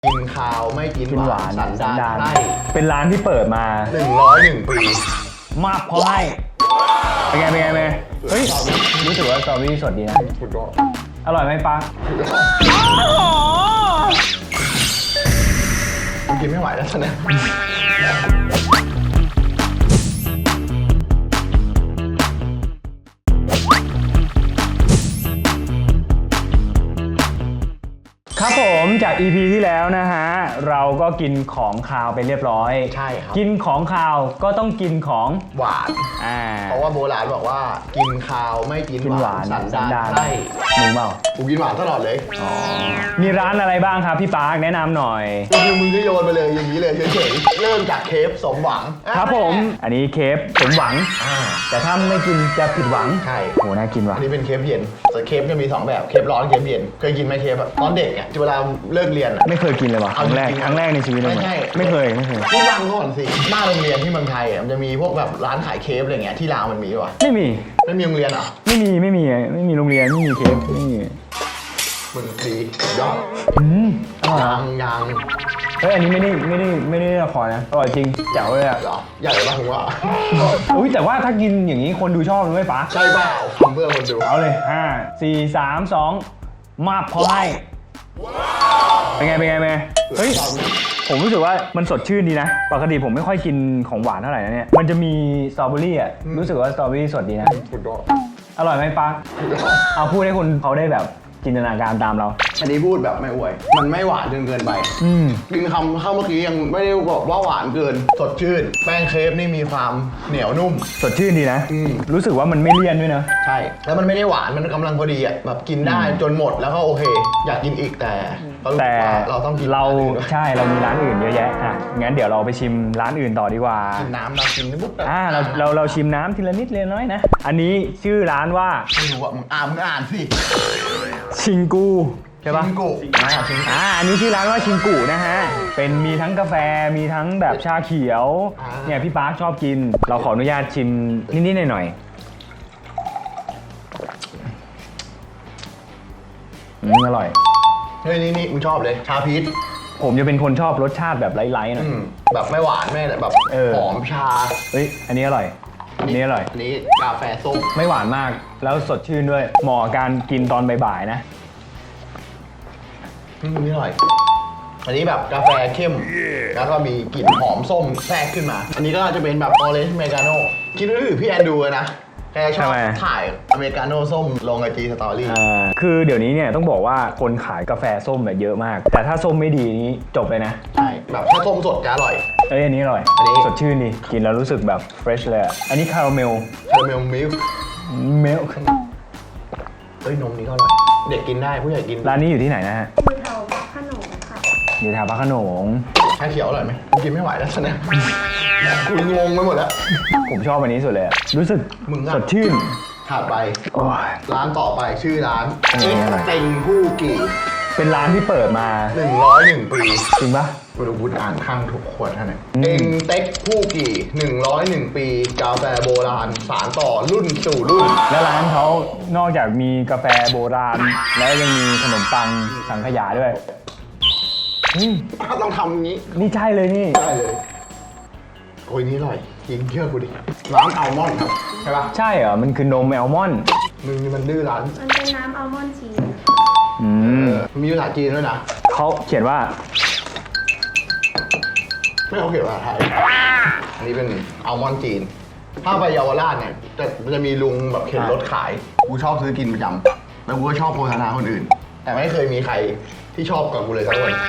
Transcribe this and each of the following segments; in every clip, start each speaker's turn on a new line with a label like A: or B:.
A: กินข้าวไม่กินหวานสันดานให้
B: เป็นร้านที่เปิดมา
A: 101 ปี
B: มากพอให้เป็นไงเฮ้ยรู้สึกว่าสตรอเบอรี่สดดีนะ
A: สุดยอด
B: อร่อยไหมปัง
A: กูกินไม่ไหวแล้วตอนนี้
B: ครับผมจาก EP ที่แล้วนะฮะเราก็กินของคาวไปเรียบร้อย
A: ใช่ครับ
B: กินของคาวก็ต้องกินของ
A: หวานเพราะว่าโบราณบอกว่ากินคาวไม่กินหวานสันดานให้
B: มึงเปล่า
A: กูกินหวานตลอดเลย
B: มีร้านอะไรบ้างครับพี่ปาร์คแนะนำหน่อย
A: คือมึงก็โยนไปเลยอย่างนี้เลยเฉยๆเริ่มจากเคฟสมหวัง
B: ครับผมอันนี้เคฟสมหวังแต่ถ้าไม่กินจะผิดหวัง
A: ใช่
B: โหน่ากินว่ะ
A: อันนี้เป็นเคฟเย็นแต่เคฟจะมี2แบบเคฟร้อนเคฟเย็นเคยกินไหมเคฟตอนเด็กอ่ะเวลาเลิกเรียน
B: ไม่เคยกินเลยว่ะครั้งแรกในชีวิตเลยไม่เคย
A: ที่ฟังก่อนสิหน้าโรงเรียนที่เมืองไทยมันจะมีพวกแบบร้านขายเคฟอะไรเงี้ยที่ลาวมันมีป่ะ
B: ไม่มี
A: โรงเรียนอ่ะ
B: ไม่มีโรงเรียนไม่มีเคฟไม่มี
A: มึงดียอดยัง
B: เฮ้ยอันนี้ไม่ได้ละครนะอร่อยจริงแจ๋วเลยอ่ะ
A: ใหญ่ป่ะผมว่า
B: อุ้ยแต่ว่าถ้ากินอย่างนี้คนดูชอบเลยไหมป๋า
A: ใช่เปล่าทำเพื่อคนดู
B: เอาเลย5 4 3 2มาพอให้เป็นไงเฮ้ยผมรู้สึกว่ามันสดชื่นดีนะปกติผมไม่ค่อยกินของหวานเท่าไหร่นะเนี่ยมันจะมีสตรอเบอรี่อ่ะรู้สึกว่าสตรอเบอรี่สดดีนะอร่อยไหมปังเอาพูดให้คนเขาได้แบบจินตนาการตามเรา
A: อันนี้พูดแบบไม่อวยมันไม่หวานจนเกินไปกินคำเข้าเมื่อกี้ยังไม่ได้บอกว่าหวานเกินสดชื่นแป้งเคฟนี่มีความเหนียวนุ่ม
B: สดชื่นดีนะรู้สึกว่ามันไม่เลี่ยนด้วยนะ
A: ใช่แล้วมันไม่ได้หวานมันกำลังพอดีอ่ะแบบกินได้จนหมดแล้วก็โอเคอยากกินอีกแต่เราต้องกิน
B: ใช่เรามีร้านอื่นเยอะแยะงั้นเดี๋ยวเราไปชิมร้านอื่นต่อดีกว่า
A: กินน้ำเรากินนิด
B: เราชิมน้ำทีละนิดทีละน้อยนะอันนี้ชื่อร้านว่า
A: ไม่รู้อ่ะมึงอ่านสิ
B: ชิงกูใช่ปะ
A: ชิงกู
B: อันนี้ชื่อร้านว่าชิงกูนะฮะเป็นมีทั้งกาแฟมีทั้งแบบชาเขียวเนี่ยพี่ปาร์คชอบกินเราขออนุญาตชิมนิดๆหน่อยอร่อย
A: เฮ้ยนี่มึงชอบเลยชาพีช
B: ผมจะเป็นคนชอบรสชาติแบบไร้ๆหน่อย
A: แบบไม่หวานไม่แบบหอมชา
B: เฮ้ยอันนี้อร่อยอันนี้
A: กาแฟส้ม
B: ไม่หวานมากแล้วสดชื่นด้วยเหมาะกับการกินตอนบ่ายๆนะ
A: นี่อร่อยอันนี้แบบกาแฟเข้มแล้วก็มีกลิ่นหอมส้มแทรกขึ้นมาอันนี้ก็จะเป็นแบบออเรนจ์อเมริกาโน่คิดดูพี่แอนดูนะแกชอบถ่ายอเมริกาโน่ส้มลงIGสตอรี่
B: คือเดี๋ยวนี้เนี่ยต้องบอกว่าคนขายกาแฟส้มแบบเยอะมากแต่ถ้าส้มไม่ดีนี้จบเลยนะ
A: ใช่แบบถ้าส้มสดจะอร่อย
B: อันนี้อร่อยสดชื่นดีกินแล้วรู้สึกแบบเฟรชเลยอันนี้คาราเมล
A: มิลค์เฮ้ยนมนี้ก็อร่อยเด็กกินได้ผู้ใหญ่กิน
B: ร้านนี้อยู่ที่ไหนนะฮะ
C: อยู่แถวพระโขนงค่ะ
B: อยู่แถวพระโขนง
A: ชาเขียวอร่อยไหมกูกินไม่ไหวแล้วตอนนี้กูงงไปหมดแล้ว
B: ผมชอบอันนี้สุดเลยรู้สึกสดชื่น
A: ถัดไปร้านต่อไปชื่อร้านเต็งผู้กี่
B: เป็นร้านที่เปิดมา
A: 101 ปี
B: จริงปะ
A: กูดูบูธอ่านข้างทุกขวดท่านเนี่ยเต็งเต็กผู้กี่101 ปีกาแฟโบราณสานต่อรุ่นสู่รุ่น
B: และร้านเขานอกจากมีกาแฟโบราณแล้วยังมีขนมปังสังขยาด้วย
A: ต้องทำอย่างนี้
B: นี่ใช่เลยนี่
A: ใช่เลยโอ้ยนี่อร่อยจริงเชื่อกูดิร้านอัลมอนด์ครับใช่ปะ
B: ใช่เหรอมันคือนมอัลมอนด์
A: มันดื้อร้าน
C: มันเป็นน้ำอัลมอนด์ชีส
A: มีภาษาจีนด้วยนะ
B: เขาเขียนว่า
A: ไม่เขาเขียนภาษาไทยอันนี้เป็นอัลมอนด์จีนถ้าไปเยาวราชเนี่ยจะมีลุงแบบเข็นรถขายกูชอบซื้อกินประจำแล้วกูก็ชอบโฆษณาคนอื่นแต่ไม่เคยมีใครที่ชอบกับกูเลยสักคน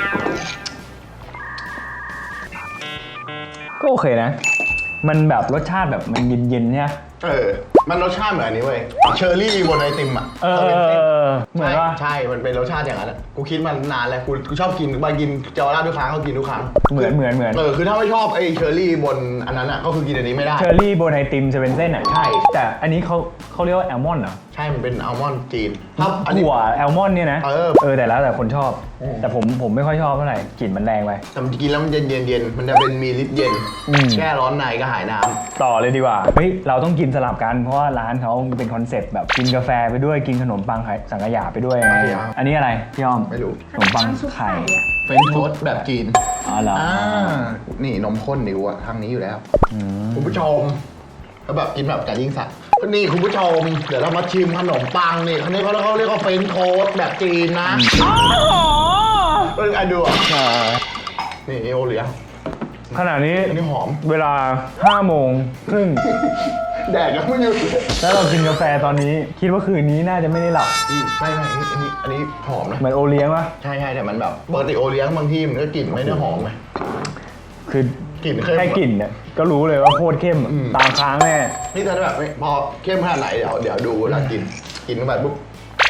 B: ก็โอเคนะมันแบบรสชาติแบบมันเย็นๆเนี่ย
A: มันรสชาติเหมือนอันนี้เว้ยเชอร์รี่บนไอติมอ่ะ
B: เหมือนว่า
A: ใช่มันเป็นรสชาติอย่างนั้นกูคิดมานานแล้วกูชอบกินมากินเจาวราชทุกครั้งเขากินทุกครั้ง
B: เหมือน
A: คือถ้าไม่ชอบไอเชอร์รี่บนอันนั้นอ่ะก็คือกินอันนี้ไม่ได้
B: เชอร์รี่บนไอติมจะเป็นเส้นอ่ะใช่แต่อันนี้เขาเรียกว่าแอลมอนด์เหรอ
A: ใช่มันเป็นอัลมอนด์จีนครับอันนี้
B: ถั่วแอลมอนด์เนี่ยนะ แต่แล้วแต่คนชอบ แต่ผมไม่ค่อยชอบเท่าไหร่กลิ่นมันแรงไป
A: แต่มันกินแล้วมันเย็นมันจะเป็นมีฤทธิ์เย็นแก้ร้อนในก็หายน้ำ
B: ต่อเลยดีกว่าเฮ้ยเราต้องกินสลับกันเพราะว่าร้านเขาเป็นคอนเซ็ปต์แบบกินกาแฟไปด้วยกินขนมปังสังขยาไปด้วยไงอันนี้อะไรพี่อ้อม
A: ไม่รู้
B: ขนมปังไข่
A: เฟรนช์โทสต์แบบจีน
B: อ๋อเหรอ
A: นี่นมข้นดิวอะทางนี้อยู่แล้วคุณผู้ชมแล้วแบบกินแบบไก่ยิ่งสัตว์นี่คุณผู้ชมเดี๋ยวเรามาชิมขนมปังนี่เขาเรียกว่าเฟรนช์โทสต์แบบจีนนะเป็นไงดูอ่ะนี่โอเลี้ยง
B: ขณะนี้
A: อันนี้หอม
B: เวลา5 โมงครึ่ง
A: แดดยังไม่หยุด
B: แล้วเรากินกาแฟตอนนี้คิดว่าคืนนี้น่าจะไม่ได้หลับ
A: ไม่อันนี้หอมนะ
B: เหมือนโอเลี้ยงปะ
A: ใช่แต่มันแบบปกติโอเลี้ยงบางทีมันก็กลิ่นไม่ได้หอมไง
B: คือก
A: ลิ่นเข้ม
B: แค่กลิ่นเนี่ยก็รู้เลยว่าโคตรเข้มตามค้างแน่
A: นี่ถ้าแบบพอเข้มขนาดไหนเดี๋ยวดูเวลากินเข้าไปปุ๊บ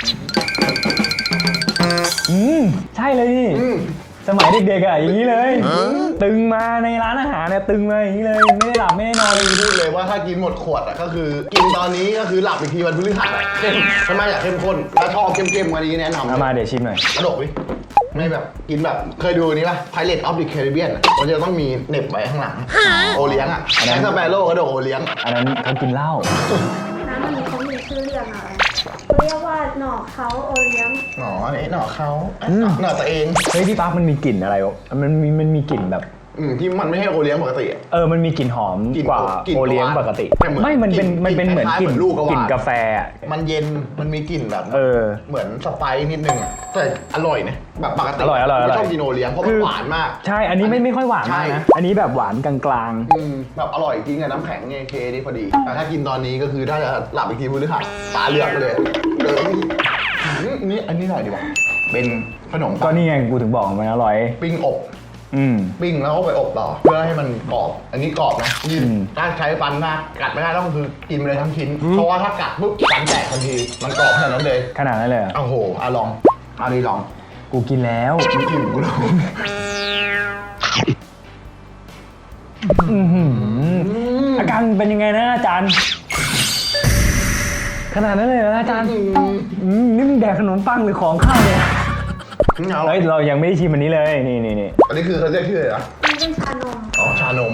B: ใช่เลยนี่สมัยเด็กๆอ่ะอย่างนี้เลย ตึงมาในร้านอาหารเนี่ยตึงมาอย่างนี้เลยไม่ได้หลับไม่ได้นอนเลย
A: พูดเลยว่าถ้ากินหมดขวดอ่ะก็คือกินตอนนี้ก็คือหลับอีกทีวันพฤหัสเข้มทำไมอยากเข้มข้นถ้าชอบเข้มๆกว่านี้แนะนำ
B: เอามาเดี๋ยวชิมหน่อย
A: กระดกดิไม่แบบกินแบบเคยดูนี้ป่ะ Pirates of the Caribbean อะมันจะต้องมีเหน็บไว้ข้างหลังโอเลี้ยงอ่ะแจ็คสเปโร่กระดกโอเลี้ยง
B: อันนั้นเขากินเหล้า
C: น้ำมันนี้เขามีชื่อเรียกอะไรเขาเรียกว่าหน่อเขาโอเลี้ยง
A: หนออันนี้หนอเขาหนอตัวเอง
B: เฮ้ยพี่ปั๊กมันมีกลิ่นอะไรวะมันมีกลิ่นแบบ
A: ที่มันไม่ใช่โอเลี้ยงปกติอะ
B: มันมีกลิ่นหอมกว่าก
A: ลิ่น
B: โอเลี้ยงปกติ
A: แต่เหมือน
B: ไม่มันเป็น
A: กลิ่น
B: เหมือน
A: คล้ายๆ
B: กลิ่น
A: เหมือนลูกกระวาน
B: กลิ่นกาแฟอะ
A: มันเย็นมันมีกลิ่นแบบ เหมือนสไปซ์นิดนึงอะแต่อร่อยนะแบบปกติ
B: อร่อย
A: ไม่ชอบกินโอเลี้ยงเพราะมันหวานมาก
B: ใช่อันนี้ไม่ค่อยหวานมากนะ
A: ใช่
B: อันนี้แบบหวานกลาง
A: แบบอร่อยจริงอะน้ำแข็งเนี่ยเคนี่พอดี แต่ถ้ากินตอนนี้ก็คือถ้าจะหลับอีกทีพฤหัสตาเหลือกเลยนี่อันนี้หน่อยดีกว่าเป็นขนม
B: ๆก็นี่ไงกูถึงบอกมันอร่อย
A: ปิ้งอบ ปิ้งแล้วก็ไปอบต่อเพื่อให้มันกรอบ อันนี้กรอบนะถ้าใช้ฟันมากกัดไม่ได้ต้องคือกินไปเลยทั้งชิ้น เพราะว่าถ้ากัดปุ๊บฟันแตกทันที มันกรอบขนาดนั้นเลย
B: ขนาดนั้นเลยเหรอ
A: โอ้โหลองอันนี้ลอง
B: กูกินแล้ว
A: ไม่อิ่มกูลอง
B: อาการเป็นยังไงนะอาจารย์ ขนาดนั้นเลยนะอาจารย์นี่มึงแดกขนมปังหรือของข้าวเนี่ยเฮ้ยเรายังไม่ได้ชิมอันนี้เลยนี่
A: อันนี้คือเขาเรียกชื่ออะไรนะ
C: นี่เป็นชานม
A: อ๋อชานม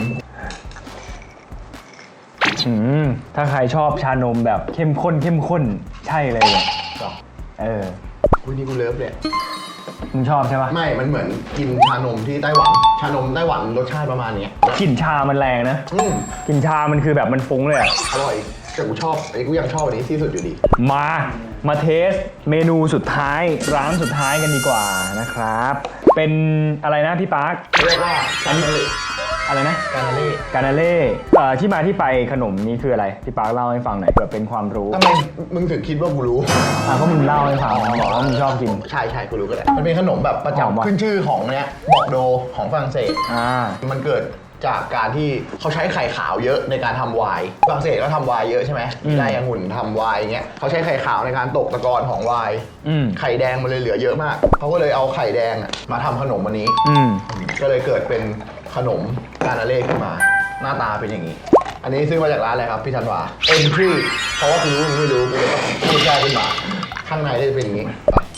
B: ถ้าใครชอบชานมแบบเข้มข้นใช่เลยเนี่ย
A: คุณนี่กูเลิฟเลย
B: มึงชอบใช่ปะ
A: ไม่ มันเหมือนกินชานมที่ไต้หวัน ชานมไต้หวันรสชาติประมาณนี้
B: กลิ่นชามันแรงนะกลิ่นชามันคือแบบมันฟุ้งเลยอะ
A: อร่อยแต่กูชอบไอ้กูยังชอบอันนี้ที่สุดอยู่ดี
B: มาเทสเมนูสุดท้ายร้านสุดท้ายกันดีกว่านะครับ เป็นอะไรนะพี่ปาร์ค
A: เรียกว่าอันนี้
B: อะไรนะ
A: กานาเล่
B: กานาเล่ที่มาที่ไปขนมนี้คืออะไรพี่ปาร์คเล่าให้ฟังหน่อยเผื่อเป็นความรู้
A: ทำไมมึงถึงคิดว่ากูรู้
B: ก็มึงเล่าให้ฟังบอกว่ามึงชอบกิน
A: ใช่กูรู้ก็ได้มันเป็นขนมแบบประ
B: หอมวะ
A: จำขึ้นชื่อของเนี้ยบอกโดของฝรั่งเศส มันเกิดจากการที่เขาใช้ไข่ขาวเยอะในการทำไวน์ฝรั่งเศสก็ทำไวน์เยอะใช่ไหมได้องุ่นทำไวน์เงี้ยเขาใช้ไข่ขาวในการตกตะกอนของไวน์ไข่แดงมันเลยเหลือเยอะมากเขาก็เลยเอาไข่แดงมาทำขนมอันนี้ก็เลยเกิดเป็นขนมกานาเล่ขึ้นมาหน้าตาเป็นอย่างนี้ อันนี้ซื้อมาจากร้านอะไรครับพี่ธันวาEntry เพราะว่ากูรู้มึงไม่รู้กูเลยต้องพูดแค่ขึ้นมาข้างในก็จะเป็นอย่างนี้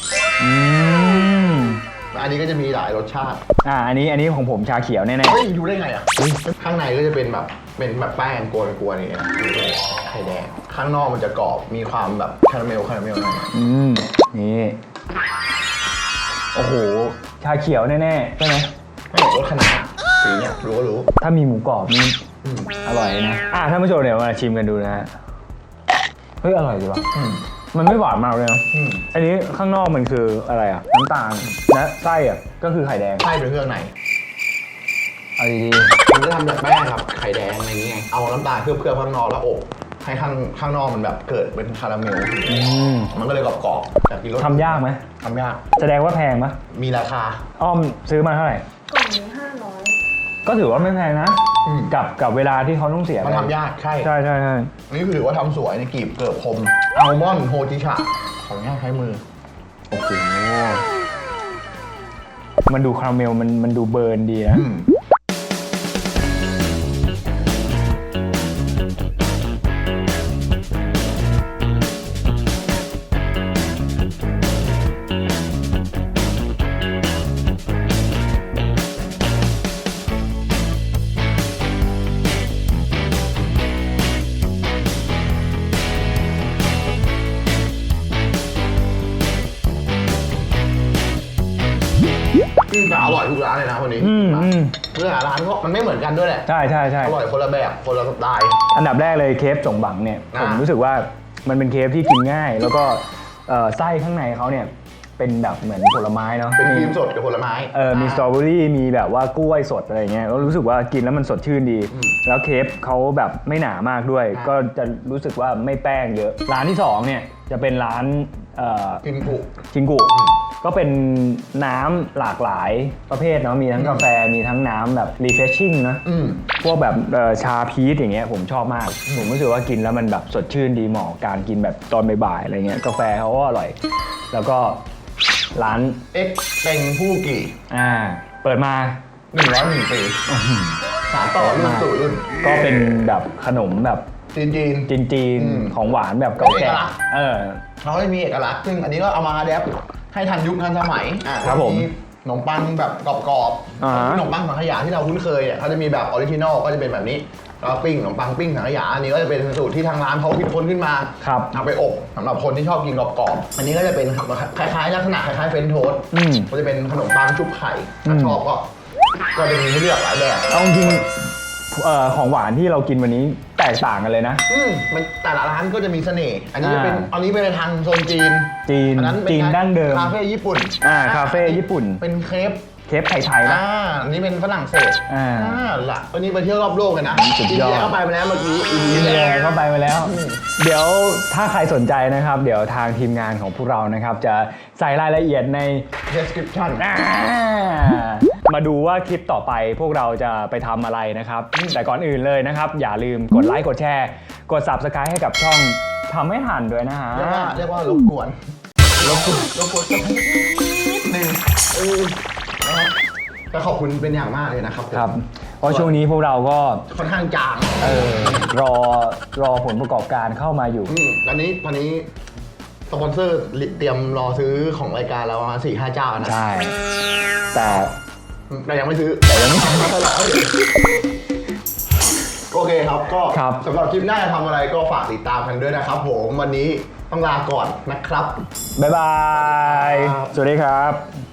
A: อันนี้ก็จะมีหลายรสชาติ
B: อันนี้ของผมชาเขียวแน่ๆ
A: เฮ้ยดูได้ไงอ่ะข้างในก็จะเป็นแบบแป้งกวนๆนี่ไข่แดงข้างนอกมันจะกรอบมีความแบบคาราเมลหน่อย
B: นี่โอ้โหชาเขียวแน่ๆใช่ไหม
A: ไม่รสขนาดสีเนี่ยรู้ก็รู้
B: ถ้ามีหมูกรอบนี่อร่อยนะท่านผู้ชมเดี๋ยวมาชิมกันดูนะฮะเฮ้ยอร่อยดีว่ะมันไม่หวานมากเลยนะอันนี้ข้างนอกมันคืออะไรอ่ะน้ำตาลและไส้อ่ะก็คือไข่แดง
A: ไส้เป็นเครื่องใน
B: เอาดี
A: มันจะทำจากแป้งครับไข่แดงอะไรอย่างเงี้ยเอาน้ำตาลเคลือบข้างนอกแล้วอบให้ข้างนอกมันแบบเกิดเป็นคาราเมลมันก็เลยกรอบๆแต่กินรส
B: ทำยากไหม
A: ทำยาก
B: แสดงว่าแพงปะ
A: มีราคา
B: อ้อมซื้อมาเท่าไหร่
C: กล่องนี้500
B: ก็ถือว่าไม่แพงนะกับเวลาที่เขาต้องเสีย
A: มันทำยากใช่
B: ใช่
A: อันนี้คือถือว่าทำสวยในกลีบเกิบคมอัลมอนด์โฮจิชะของย่างใช้มือ
B: โอ้โหมันดูคาราเมลมันดูเบิร์นดีนะ
A: ร้านเลยนะวันนี้ เรื่องร้านก็มันไม่เหมือนกันด้วยแหละ
B: ใช่ใช่ใช่
A: อร่อยคนละแบบคนละสไตล์
B: อันดับแรกเลยเคฟสงบังเนี่ย
A: อ่า
B: ผมรู้สึกว่ามันเป็นเคฟที่กินง่าย แล้วก็ไส้ข้างในเขาเนี่ยเป็นแบบเหมือนผลไม้เนาะ
A: เป็นครีมสดกับผลไม้
B: มีสตรอเบอรี่มีแบบว่ากล้วยสดอะไรเงี้ยก็รู้สึกว่ากินแล้วมันสดชื่นดี แล้วเคฟเขาแบบไม่หนามากด้วย ก็จะรู้สึกว่าไม่แป้งเยอะ ร้านที่2เนี่ยจะเป็นร้าน
A: กินกุ
B: ชิงกุก็เป็นน้ำหลากหลายประเภทเนาะมีทั้งกาแฟมีทั้งน้ำแบบ refreshing นะพวกแบบชาพีชอย่างเงี้ยผมชอบมาก ผมรู้สึกว่ากินแล้วมันแบบสดชื่นดีเหมาะกับการกินแบบตอนบ่ายๆอะไรเงี้ยกาแฟเขาก็อร่อย แล้วก็ร้าน
A: เอ็กเต็งผู้กี่
B: เปิดมา
A: 101 ปีสานต่อรุ่นสู่รุ่น
B: ก็เป็นแบบขนมแบบ
A: จีน
B: ของหวานแบบเก่าแก่
A: เขาจะมีเอกลักษณ์ซึ่งอันนี้ก็เอามาอัดแอปให้ทันยุคทันสมัย
B: ครับผม
A: ขนมปังแบบกรอบๆขนมปังสังขยาที่เราคุ้นเคยเขาจะมีแบบออริจินอลก็จะเป็นแบบนี้แล้วปิ้งขนมปังปิ้งสังขยาอันนี้ก็จะเป็นสูตรที่ทางร้านเขาคิดค้นขึ้นมาเอาไปอบสำหรับคนที่ชอบกินกรอบๆอันนี้ก็จะเป็นคล้ายๆลักษณะคล้ายๆเฟรนช์โทสต์ก็จะเป็นขนมปังชุบไข่ถ้าชอบก็จะมีให้เลือกหลายแบบ
B: เอาจริงของหวานที่เรากินวันนี้แตกต่างกันเลยนะ
A: มันแต่ละร้านก็จะมีเสน่ห์อันนี้เป็นทางโซนจีนอันนั้นเป็น
B: จีนดั้งเดิม
A: คาเฟ่ญี่ปุ่น
B: คาเฟ่ญี่ปุ่น
A: เป็นเค
B: ฟไทยๆนะ
A: อันนี้เป็นฝรั่งเศสล่ะวันนี้ไปเที่ยวรอบโลกกันนะ
B: สุดยอด
A: เข้าไปมาแล้วเมื่อกี้
B: เข้าไปมาแล้ว เดี๋ยวถ้าใครสนใจนะครับเดี๋ยวทางทีมงานของพวกเรานะครับจะใส่รายละเอียดใน
A: description
B: มาดูว่าคลิปต่อไปพวกเราจะไปทำอะไรนะครับแต่ก่อนอื่นเลยนะครับอย่าลืมกดไลค์กดแชร์กด Subscribe ให้กับช่องทำไม่ทันด้วยนะฮะ
A: เรียกว่ารบกวนนิดนึงก็ขอบคุณเป็นอย่างมากเลยนะครับ
B: ครับเพราะช่วงนี้พวกเราก็
A: ค่อนข้างจาง
B: รอผลประกอบการเข้ามาอยู่
A: ตอนนี้สปอนเซอร์เตรียมรอซื้อของรายการเราประมาณ 4-5 เจ้านะ
B: ใช่แต่
A: ยังไม่ซื้อโอเคครับก็สำหรับคลิปหน้าจะทำอะไรก็ฝากติดตามกันด้วยนะครับผมวันนี้ต้องลาก่อนนะครับ
B: บ๊ายบายสวัสดีครับ